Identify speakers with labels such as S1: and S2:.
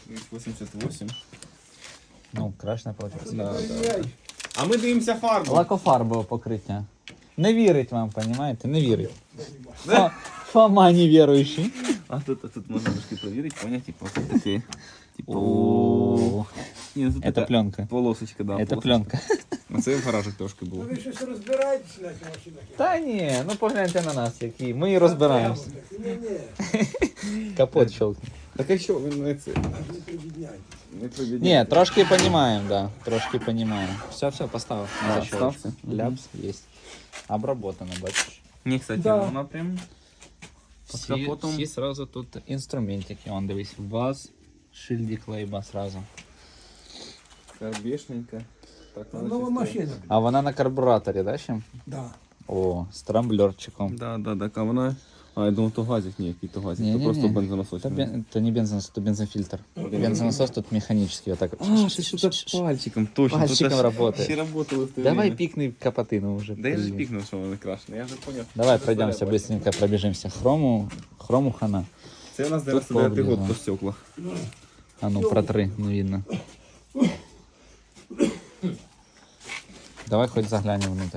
S1: 88.
S2: Ну, краще не вийшло.
S1: Да, да. А ми дивимося фарбу.
S2: Лакофарбове покриття. Не вірить вам, розумієте? Не вірить. Фома невіруючий.
S1: А тут можна трошки провірити, поняти, типу, тут такі.
S2: О,
S1: Ні, ну тут
S2: это
S1: така
S2: пленка.
S1: полосочка, да.
S2: Это пленка.
S1: А це в гаражах трошки було.
S3: Ви щось розбираєтесь на цих машинах?
S2: Та ні, ну погляньте на нас, які. Ми і розбираємося.
S3: Ні-ні,
S2: Капот щелкне.
S1: Так а що, ви не це?
S3: аж не прибідняйте.
S1: Не провідні.
S2: Ні, трошки понімаємо, да. Трошки понімаємо. Все, поставив.
S1: Да,
S2: На щелочку.
S1: стався.
S2: Ляпс есть. Обработано, бачиш.
S1: Ні, кстати,
S3: Да.
S1: вона прям під капотом.
S2: Всі сразу тут інструментики. Вон, дивись, ВАЗ, шильдик лейба сразу.
S1: Карбішненька. Так, надо
S3: Нова
S1: щось
S3: машина.
S2: А вона на карбураторі, да, ще?
S3: Да.
S2: О, з трамблерчиком.
S1: Да, так, а вона... А, я думав, то газик, ні, який то газик,
S2: Ні-ні-ні.
S1: то просто бензонасос.
S2: Это не бензонасос, это бензофильтр. Бензонасос тут механический, вот так вот.
S1: А, ще що-то пальчиком, точно.
S2: Пальчиком
S1: тут аж
S2: работает.
S1: Ще работало в те
S2: Давай
S1: время.
S2: пикни капотину уже.
S1: Да я же пикнул, что он крашеный, я же понял.
S2: Давай пройдемся, быстренько пробежимся. Хрому хана.
S1: Це у нас
S2: Тут
S1: 99-й год
S2: повлияло.
S1: по стеклах.
S2: А ну, протри, не видно. Давай хоть заглянем внутрь.